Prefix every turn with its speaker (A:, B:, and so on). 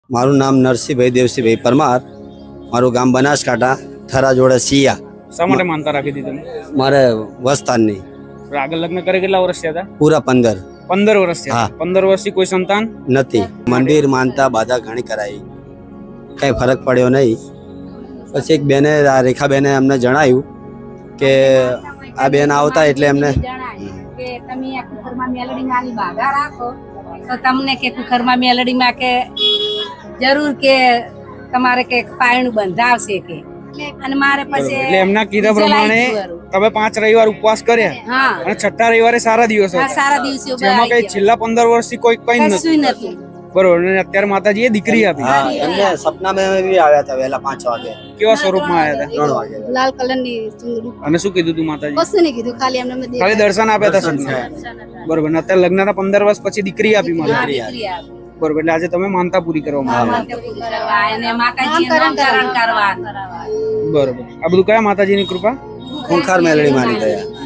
A: મારું નામ નરસિંહભાઈ દેવસિંહભાઈ પરમાર, મારું ગામ બનાસકાંઠા, થરા જોડે સિયા.
B: શા માટે માનતા રાખી હતી તમે?
A: મારે વસ્તાનની
B: આગળ લગ્ન કરે કેટલા વર્ષ થયા હતા?
A: પૂરા 15
B: 15 વર્ષ થયા.
A: હા.
B: 15 વર્ષથી કોઈ સંતાન
A: નથી. મંદિર માનતા બાધા ઘણી કરાઈ, કઈ ફરક પડ્યો નહીં. પછી એક બેને, આ રેખાબેને અમને જણાવ્યું કે આ બેન આવતા એટલે એમને
C: કે તમે આ કુકરમાં મેલડીમાં આની બાધા રાખો તો તમને કે કુકરમાં મેલડીમાં કે જરૂર કે તમારે કે પાયણું બંધાવશે કે. અને મારે પછી
B: એટલે એમના કીધા પ્રમાણે તમે 5 રવિવાર ઉપવાસ કર્યા
C: હા
B: અને છઠ્ઠા રવિવારે સારા દિવસ
C: આ
B: હતા,
C: સારા દિવસો
B: જેમાં કઈ છેલ્લા 15 વર્ષથી કોઈ કઈ નથી.
C: કશું નતું.
B: બરોબર. અને અત્યારે માતાજીએ દીકરી આપી.
A: હા, એમને સપનામાં બી આવ્યા હતા વહેલા 5 વાગે,
B: કેવા સ્વરૂપમાં આવ્યા હતા
A: 3 વાગે.
C: લાલ કલરની ચુંદડી.
B: અને શું કીધું તું માતાજી?
C: કશું નહીં કીધું, ખાલી એમને
B: ખાલી દર્શન આપ્યા હતા સપના. બરોબર. અને અત્યારે લગ્નના 15 વર્ષ પછી દીકરી આપી માતાજી. બરોબર. એટલે આજે તમે માનતા પૂરી કરવા માંગો છો. બરોબર. આ બધું કયા માતાજીની કૃપા?
A: ખૂંખાર મેલડી માની ગયા.